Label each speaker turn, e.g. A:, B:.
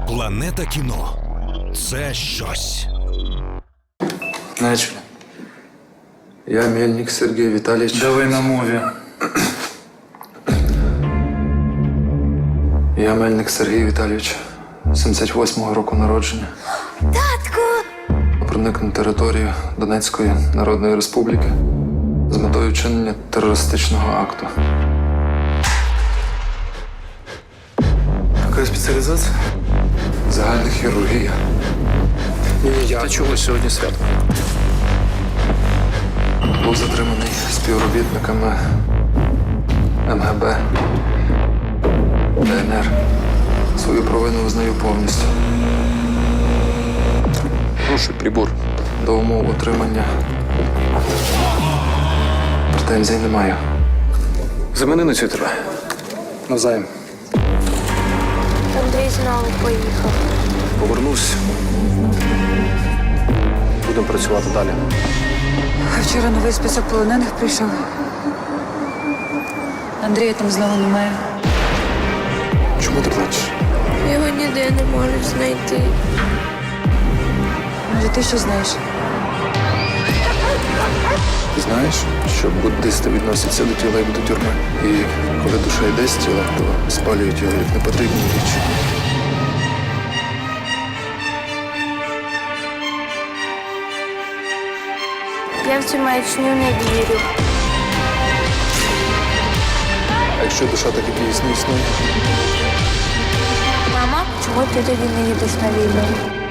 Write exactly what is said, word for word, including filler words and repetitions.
A: Планета кіно – це щось.
B: Начали.
C: Я Мельник Сергей Витальевич.
B: Давай на мові.
C: Я Мельник Сергій Віталійович, сімдесят восьмого року народження.
D: Татку!
C: Проник на територію Донецької Народної Республіки з метою вчинення терористичного акту.
B: Яка спеціалізація?
C: Загальна хірургія.
B: Та чого сьогодні свято?
C: Був затриманий співробітниками ем ге бе, де ен ер. Свою провину визнаю повністю.
B: Хороший прибор.
C: До умов отримання претензій не маю.
B: Замени на цю тебе. Навзаєм.
D: Андрій знову поїхав.
B: Повернусь. Будемо працювати далі.
E: Вчора новий список полонених прийшов. Андрія там знову немає.
B: Чому ти плачеш?
D: Його ніде не можуть знайти.
E: Може, ти що знаєш?
C: Ти знаєш, що буддисти відносяться до тіла як до тюрми. І коли душа йде з тіла, то спалюють його як непотрібні речі.
D: Я в цю маячню не вірю.
C: А якщо душа так і дійсно існує?
D: Мама, чому ти тоді не їдеш на війну?